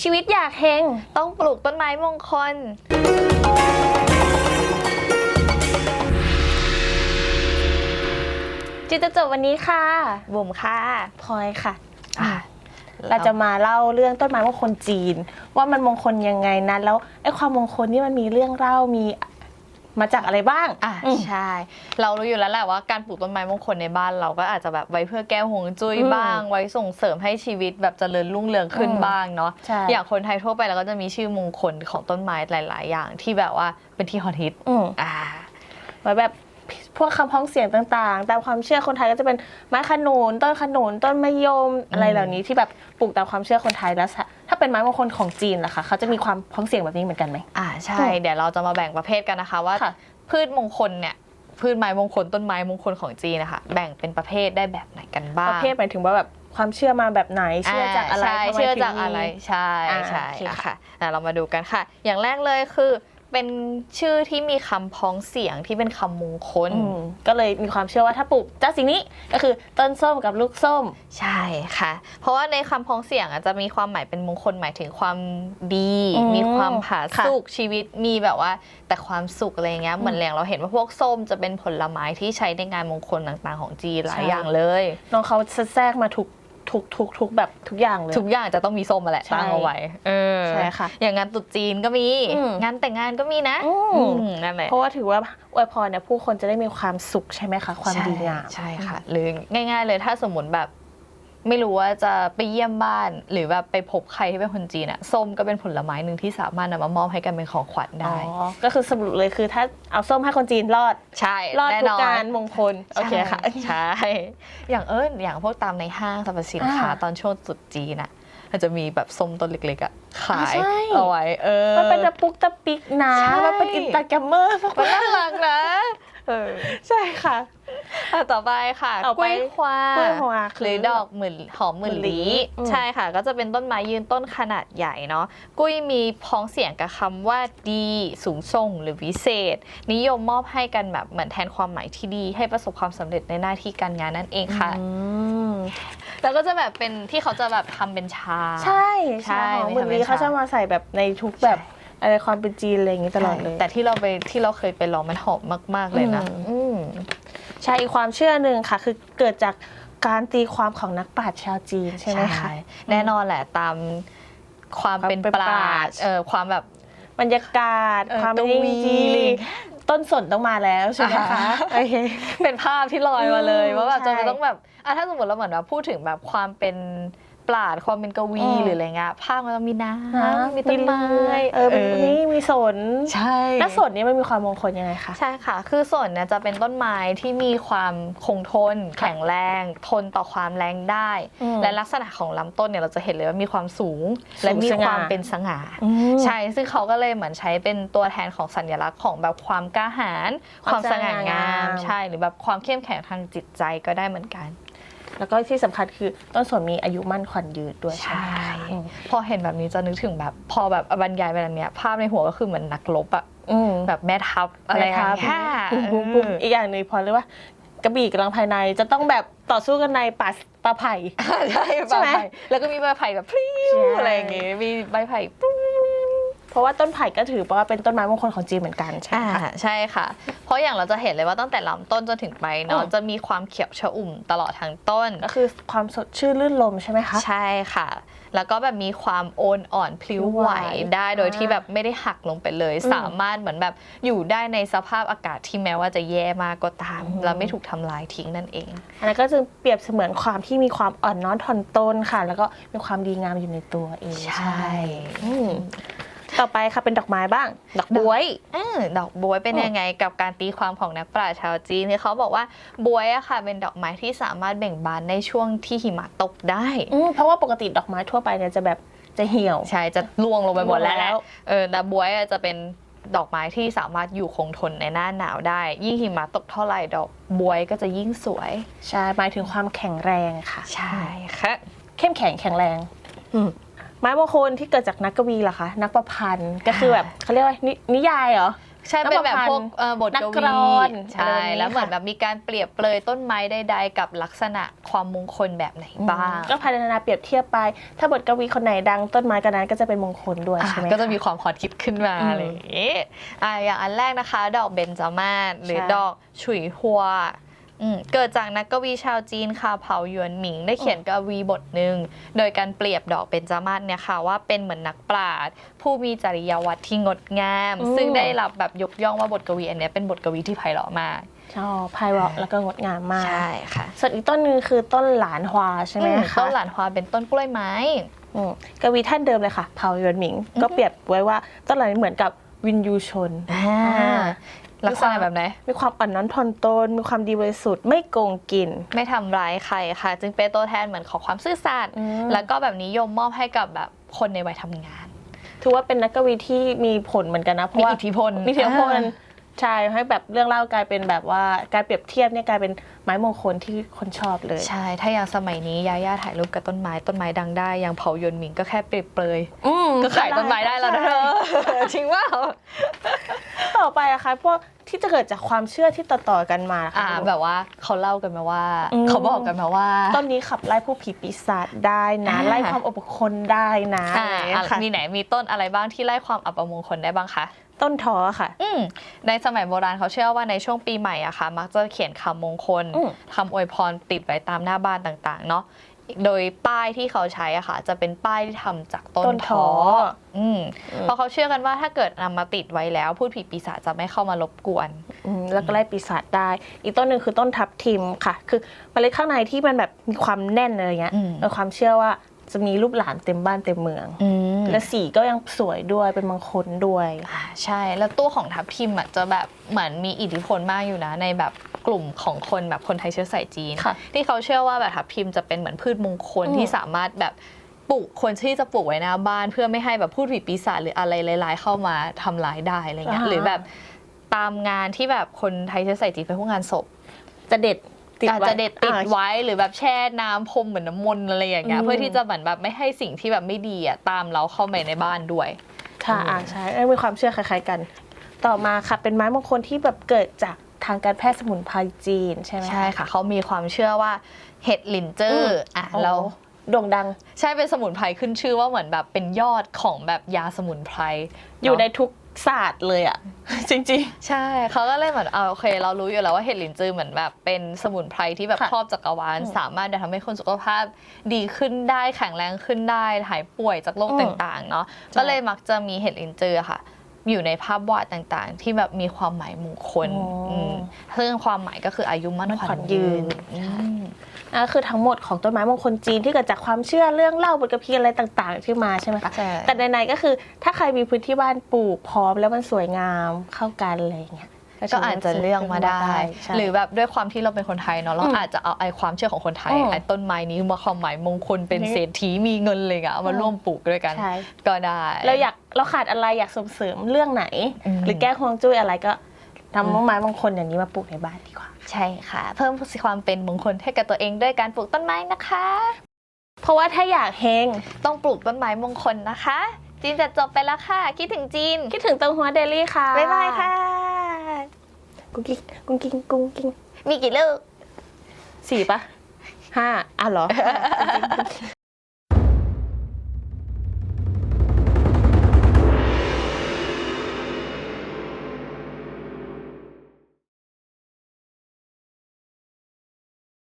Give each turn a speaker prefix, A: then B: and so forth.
A: ชีวิตอยากเฮง
B: ต้องปลูกต้นไม้มงคล
A: จิตจะจบวันนี้ค่ะ
B: บุ๋มค่ะ
A: พลอยค่ะเราจะมาเล่าเรื่องต้นไม้มงคลจีนว่ามันมงคลยังไงนะแล้วไอ้ความมงคลนี่มันมีเรื่องเล่ามีมาจากอะไรบ้าง
B: ใช่เรารู้อยู่แล้วแหละว่าการปลูกต้นไม้มงคลในบ้านเราก็อาจจะแบบไว้เพื่อแก้ห่วงจุ้ยบ้างไว้ส่งเสริมให้ชีวิตแบบเจริญรุ่งเรืองขึ้นบ้างเนาะอย่างคนไทยทั่วไปเราก็จะมีชื่อมงคลของต้นไม้หลายๆอย่างที่แบบว่าเป็นที่ฮอตฮิต
A: ไว้แบบพวกคำพ้องเสียงต่างๆตามความเชื่อคนไทยก็จะเป็นไม้ขนุนต้นขนุนต้นมะยมอะไรเหล่านี้ที่แบบปลูกตามความเชื่อคนไทยแล้วถ้าเป็นไม้มงคลของจีนล่ะคะเขาจะมีความพ้องเสียงแบบนี้เหมือนกันไหม
B: ใช่เดี๋ยวเราจะมาแบ่งประเภทกันนะคะว่าพืชมงคลเนี่ยพืชไม้มงคลต้นไม้มงคลของจีนนะคะแบ่งเป็นประเภทได้แบบไหนกันบ้าง
A: ประเภทหมายถึงว่าแบบความเชื่อมาแบบไหนเชื่อจากอะไร
B: เชื่อจากอะไรใช่ค่ะเรามาดูกันค่ะอย่างแรกเลยคือเป็นชื่อที่มีคำพ้องเสียงที่เป็นคำมงคล
A: ก็เลยมีความเชื่อว่าถ้าปลูกเจ้าสิ่งนี้ก็คือต้นส้มกับลูกส้ม
B: ใช่ค่ะเพราะว่าในคำพ้องเสียงจะมีความหมายเป็นมงคลหมายถึงความดีมีความผาสุกชีวิตมีแบบว่าแต่ความสุขอะไรเงี้ยเหมือนอย่างเราเห็นว่าพวกส้มจะเป็นผลไม้ที่ใช้ในงานมงคลต่างๆของจีนหลายอย่างเลย
A: น้องเขาแทรกมาทุกแบบทุกอย่างเลย
B: ทุกอย่างจะต้องมีส้มมาแหละตั้งเอาไว้
A: ใช่ค่ะ
B: อย่างงานตรุษจีนก็มีงานแต่งงานก็มีนะนั่นแหละ
A: เพราะว่าถือว่าอวยพรเนี่ยผู้คนจะได้มีความสุขใช่ไหมคะความดีงาม
B: ใช่ค่ะหรือง่ายๆเลยถ้าสมมติแบบไม่รู้ว่าจะไปเยี่ยมบ้านหรือแบบไปพบใครที่เป็นคนจีนอะส้มก็เป็นผลไม้หนึ่งที่สามารถนำมามอบให้กันเป็นของขวัญได้
A: ก็คือสรุปเลยคือถ้าเอาส้มให้คนจีนรอด
B: ใช่
A: รอดทุกการมงคลโอเคค่ะ
B: ใช่อย่างพวกตามในห้างสรรพสินค้าตอนช่วงตรุษจีนอะอาจจะมีแบบส้มต้นเล็กๆอะขายเอาไว้
A: มันเป็นตะปุกตะปิกนะมันเป็นอินสตาแกรมเมอร์
B: มันน่ารักนะ
A: ใช่ค่ะ
B: ต่อไปค่ะกล้วยคว้าหรือดอกหอมหมื่นลี้ใช่ค่ะก็จะเป็นต้นไม้ยืนต้นขนาดใหญ่เนาะกุ้ยมีพ้องเสียงกับคำว่าดีสูงส่งหรือวิเศษนิยมมอบให้กันแบบเหมือนแทนความหมายที่ดีให้ประสบความสำเร็จในหน้าที่การงานนั่นเองค่ะแล้วก็จะแบบเป็นที่เขาจะแบบทำเป็นชา
A: ใช่หอมหมื่นลี้เขาจะมาใส่แบบในทุกแบบอะไรความเป็นจีนอะไรอย่างนี้ตลอดเลย
B: แต่ที่เราเคยไปลองมันหอมมากๆเลยนะ
A: ใช่อีกความเชื่อหนึ่งค่ะคือเกิดจากการตีความของนักปราชญ์ชาวจีนใช่ไหมคะ
B: แน่นอนแหละตามความเป็นปราชญ์ความแบบ
A: บรรยากาศความเป็นจีนต้นสนต้องมาแล้วใช่ไหมคะโอเค
B: เป็นภาพที่ลอยมาเลยว่าแบบจะต้องแบบถ้าสมมติเราเหมือนว่าพูดถึงแบบความเป็นปราชญ์ความเป็นกวีหรืออะไรเงี้ยภาพมันต้องมีน้ำมีต้นไม้
A: นี่มีสน
B: ใช่
A: แล้วสนนี้มันมีความมงคลยังไงคะ
B: ใช่ค่ะคือสนเนี่ยจะเป็นต้นไม้ที่มีความคงทนแข็งแรงทนต่อความแรงได้และลักษณะของลำต้นเนี่ยเราจะเห็นเลยว่ามีความสูงและมีความเป็นสง่าใช่ซึ่งเขาก็เลยเหมือนใช้เป็นตัวแทนของสัญลักษณ์ของแบบความกล้าหาญความสง่างามใช่หรือแบบความเข้มแข็งทางจิตใจก็ได้เหมือนกัน
A: แล้วก็ที่สำคัญคือต้นสนมีอายุมั่นขวัญยืนด้วย
B: ใช่พอเห็นแบบนี้จะนึกถึงแบบพอแบบบรรยายแบบนี้ภาพในหัวก็คือเหมือนนักรบอะแบบแม่ทัพอะไรครับ
A: อีกอย่างหนึ่งพอเลยว่ากระบี่กำลังภายในจะต้องแบบต่อสู้กันในป่าไผ่
B: ใช่ไหมแล้วก็มีใบไผ่แบบพลิ้วอะไรอย่างงี้มีใบไผ่
A: เพราะว่าต้นไผ่ก็ถือว่าเป็นต้นไม้มงคลของจีนเหมือนกันใช่ไหมคะ
B: ใช่ค่ะเพราะอย่างเราจะเห็นเลยว่าตั้งแต่ลำต้นจนถึงใบเนาะจะมีความเขียวชอุ่มตลอดทั้งต้น
A: ก็คือความสดชื่นลื่นลมใช่ไหมคะ
B: ใช่ค่ะแล้วก็แบบมีความโอนอ่อนพลิ้วไหวได้โดยที่แบบไม่ได้หักลงไปเลยสามารถเหมือนแบบอยู่ได้ในสภาพอากาศที่แม้ว่าจะแย่มากก็ตามแล้วไม่ถูกทำลายทิ้งนั่นเอง
A: อันนั้นก็จะเปรียบเสมือนความที่มีความอ่อนน้อมถ่อมตนค่ะแล้วก็มีความดีงามอยู่ในตัวเอง
B: ใช่
A: ต่อไปค่ะเป็นดอกไม้บ้างดอกบ๊วย
B: ดอกบ๊วยเป็นยังไงกับการตีความของนักปราชญ์ชาวจีนที่เขาบอกว่าบ๊วยอะค่ะเป็นดอกไม้ที่สามารถเบ่งบานในช่วงที่หิมะตกได้
A: เพราะว่าปกติดอกไม้ทั่วไปเนี่ยจะแบบจะเหี่ยว
B: ใช่จะร่วงลงไปหมดแล้วแต่บ๊วยจะเป็นดอกไม้ที่สามารถอยู่คงทนในหน้าหนาวได้ยิ่งหิมะตกเท่าไหร่ดอกบ๊วยก็จะยิ่งสวย
A: ใช่หมายถึงความแข็งแรงค่ะ
B: ใช่ค่ะ
A: เข้มแข็งแข็งแรงไม้มงคลที่เกิดจากนักกวีเหรอคะนักประพันธ์ก็คือแบบเขาเรียกว่านิยายเหรอ
B: ใช่เป็นแบบพวกบท
A: นัก
B: ก
A: กล
B: วี
A: อน
B: ใช่แล้วเหมือนแบบมีการเปรียบเปรยต้นไม้ใดๆกับลักษณะความมงคลแบบไหนบ้าง
A: ก็พัฒนาเปรียบเทียบไป ถ้าบทกวีคนไหนดังต้นไม้กันนั้นก็จะเป็นมงคลด้วยใช่ไหม
B: ก็จะมีความฮอตฮิตขึ้นมาอะไรอย่างงี้อย่างอันแรกนะคะ ดอกเบญจมาศหรือดอกฉุยฮัวเกิดจากนักกวีชาวจีนค่ะเผาหยวนหมิงได้เขียนกวีบทหนึ่งโดยการเปรียบดอกเบญจมาศเนี่ยค่ะว่าเป็นเหมือนนักปราชญ์ผู้มีจริยวัตรที่งดงาม ซึ่งได้รับแบบยกย่องว่าบทกวีอันเนี้ยเป็นบทกวีที่ไพเราะมาก
A: ชอบไพเราะแล้วก็งดงามมาก
B: ใช่ค่ะ
A: ส่วนอีกต้นหนึงคือต้นหลานฮวาใช่ไหมคะ
B: ต้นหลานฮวาเป็นต้นกล้วยไม้
A: กวีท่านเดิมเลยค่ะเผาหยวนหมิง ก็เปรียบไว้ว่าต้นหลานเหมือนกับวินยูชน
B: ลักษณะแบบไหน
A: มีความอ่อนน้อมถ่อมตนมีความดีบริสุทธิ์ไม่โกงกิน
B: ไม่ทำร้ายใครค่ะ จึงเป็นตัวแทนเหมือนของความซื่อสัตย์แล้วก็แบบนิยมมอบให้กับแบบคนในวัยทำงาน
A: ถือว่าเป็นนักกวีที่มีผลเหมือนกันนะเพราะว่า
B: มีอิทธิพล
A: มีอิทธิพลใช่ให้แบบเรื่องเล่ากลายเป็นแบบว่าการเปรียบเทียบเนี่ยกลายเป็นไม้มงคลที่คนชอบเลย
B: ใช่ ถ้าอย่างสมัยนี้ยาย่าถ่ายรูปกับต้นไม้ดังได้อย่างเผาหยวนหมิงก็แค่เปรียบเปรยก็ขายต้นไม้ได้แล้วนะเธอจริงว่า
A: ต่อไปอะคะพวกที่จะเกิดจากความเชื่อที่ต่อๆกันมาค่ะ
B: แบบว่าเขาเล่ากันมาว่าเขาบอกกันมาว่า
A: ต้นนี้ขับไล่ผู้ผีปีศาจได้นะไล่ความอบคนได้นะอะไรอย่างเงี้ยค่ะ
B: มีไหนมีต้นอะไรบ้างที่ไล่ความอัปมงคลได้บ้างคะ
A: ต้นท้อค่ะ
B: ในสมัยโบราณเขาเชื่อว่าในช่วงปีใหม่อะค่ะมักจะเขียนคำมงคลคำอวยพรติดไว้ตามหน้าบ้านต่างๆเนาะโดยป้ายที่เขาใช้อะค่ะจะเป็นป้ายที่ทำจากต้นท้อเพราะเขาเชื่อกันว่าถ้าเกิดนำมาติดไว้แล้วพูดผีปีศาจจะไม่เข้ามารบกวน
A: แล้วก็ไล่ปีศาจได้ อีกต้นหนึ่งคือต้นทับทิมค่ะ คือเมล็ดข้างในที่มันแบบมีความแน่นอะไรเงี้ยมีความเชื่อว่าจะมีรูปหลานเต็มบ้านเต็มเมืองและสีก็ยังสวยด้วยเป็นมงคลด้วย
B: ใช่แล้วตัวของทับทิมอะจะแบบเหมือนมีอิทธิพลมากอยู่นะในแบบกลุ่มของคนแบบคนไทยเชื้อสายจีนที่เขาเชื่อว่าแบบทับทิมจะเป็นเหมือนพืชมงคลที่สามารถแบบปลูกคนที่จะปลูกไว้หน้าบ้านเพื่อไม่ให้แบบพูดผีปีศาจหรืออะไรร้ายๆเข้ามาทำร้ายได้อะไรเงี้ยหรือแบบตามงานที่แบบคนไทยเชื้อสายจีนไปพวกงานศพ
A: จะเด็ด
B: จะเด็ดติดไว้หรือแบบแช่น้ำพรมเหมือนน้ำมนต์อะไรอย่างเงี้ยเพื่อที่จะเหมือนแบบไม่ให้สิ่งที่แบบไม่ดีอ่ะตามเราเข้ามาในบ้านด้วย
A: ค่ะใช่มีความเชื่อคล้ายๆกัน ต่อมาค่ะเป็นไม้มงคลที่แบบเกิดจากทางการแพทย์สมุนไพรจีนใช่ไหม
B: ใช่ค่ะเขามีความเชื่อว่าเห็ดหลินจื้อเรา
A: โด่งดัง
B: ใช่เป็นสมุนไพรขึ้นชื่อว่าเหมือนแบบเป็นยอดของแบบยาสมุนไพร
A: อยู่ในทุกศาสตร์เลยอ่ะจริง
B: ๆใช่เขาก็เลยเหมือนโอเคเรารู้อยู่แล้วว่าเห็ดหลินจือเหมือนแบบเป็นสมุนไพรที่แบบครอบจักรวาลสามารถทำให้คนสุขภาพดีขึ้นได้แข็งแรงขึ้นได้หายป่วยจากโรคต่างๆเนาะก็เลยมักจะมีเห็ดหลินจือค่ะอยู่ในภาพวาดต่างๆที่แบบมีความหมายมงคลซึ่งความหมายก็คืออายุมั่นขวัญยืน
A: คือทั้งหมดของต้นไม้มงคลจีนที่เกิดจากความเชื่อเรื่องเล่าบทกพีอะไรต่างๆที่มาใช่ไหมคะแต่ในๆก็คือถ้าใครมีพื้นที่บ้านปลูกพร้อมแล้วมันสวยงามเข้ากันอะไรอย่างเงี้ย
B: ก็อาจจะเลือกมาได้หรือแบบด้วยความที่เราเป็นคนไทยเนาะเราอาจจะเอาไอ้ความเชื่อของคนไทยไอ้ต้นไม้นี้มาความหมายมงคลเป็นเศรษฐีมีเงินเลยอะเอามาร่วมปลูกด้วยกันก็ได้
A: เราขาดอะไรอยากส่งเสริมเรื่องไหนหรือแก้ฮวงจุ้ยอะไรก็ทำต้นไม้มงคลอย่างนี้มาปลูกในบ้านดีกว่า
B: ใช่ค่ะเพิ่มความเป็นมงคลให้กับตัวเองด้วยการปลูกต้นไม้นะคะ
A: เพราะว่าถ้าอยากเฮง
B: ต้องปลูกต้นไม้มงคลนะคะจีนจะจบไปแล้วค่ะคิดถึงจีน
A: คิดถึงเติงหัวเดลี่ค่ะ
B: บ๊ายบายค่ะ
A: กุ้งกิ้งกุ้งกิ้งกุ้งกิ้ง
B: มีกี่ลูก
A: 4 ปะ 5เหรอ